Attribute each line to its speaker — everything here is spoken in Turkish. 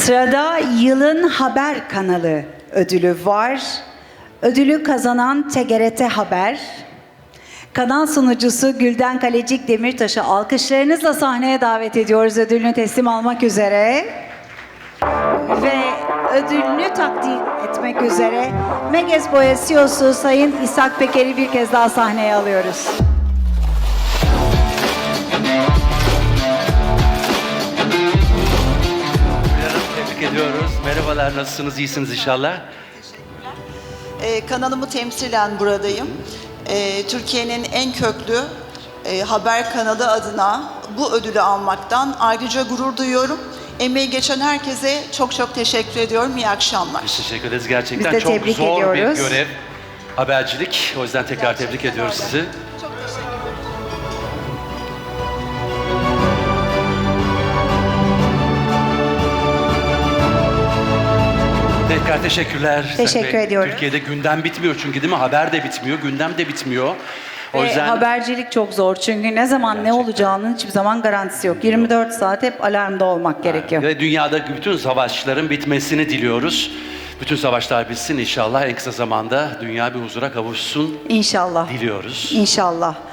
Speaker 1: Sırada Yılın Haber Kanalı ödülü var. Ödülü kazanan TGRT Haber. Kanal sunucusu Gülden Kalecik Demirtaş'ı alkışlarınızla sahneye davet ediyoruz ödülünü teslim almak üzere. Ve ödülünü takdim etmek üzere Meges Boya CEO'su Sayın İshak Peker'i bir kez daha sahneye alıyoruz.
Speaker 2: Tebrik ediyoruz. Merhabalar, nasılsınız? İyisiniz inşallah.
Speaker 3: Kanalımı temsilen buradayım. Türkiye'nin en köklü haber kanalı adına bu ödülü almaktan ayrıca gurur duyuyorum. Emeği geçen herkese çok çok teşekkür ediyorum. İyi akşamlar.
Speaker 2: Biz teşekkür ederiz. Gerçekten
Speaker 1: Biz de
Speaker 2: çok
Speaker 1: tebrik
Speaker 2: zor
Speaker 1: ediyoruz.
Speaker 2: bir görev. Habercilik. O yüzden tekrar tebrik ediyoruz
Speaker 3: öyle.
Speaker 2: sizi.
Speaker 3: Çok teşekkür ederim.
Speaker 2: Tekrar teşekkürler.
Speaker 1: Teşekkür
Speaker 2: Tabii,
Speaker 1: ediyorum.
Speaker 2: Türkiye'de gündem bitmiyor çünkü değil mi? Haber de bitmiyor, gündem de bitmiyor. O
Speaker 1: Ve
Speaker 2: yüzden
Speaker 1: habercilik çok zor çünkü ne zaman ne
Speaker 2: Gerçekten.
Speaker 1: olacağının hiçbir zaman garantisi yok. 24 saat hep alarmda olmak gerekiyor.
Speaker 2: ve dünyadaki bütün savaşların bitmesini diliyoruz. Bütün savaşlar bitsin inşallah. En kısa zamanda dünya bir huzura kavuşsun
Speaker 1: İnşallah.
Speaker 2: diliyoruz.
Speaker 1: İnşallah.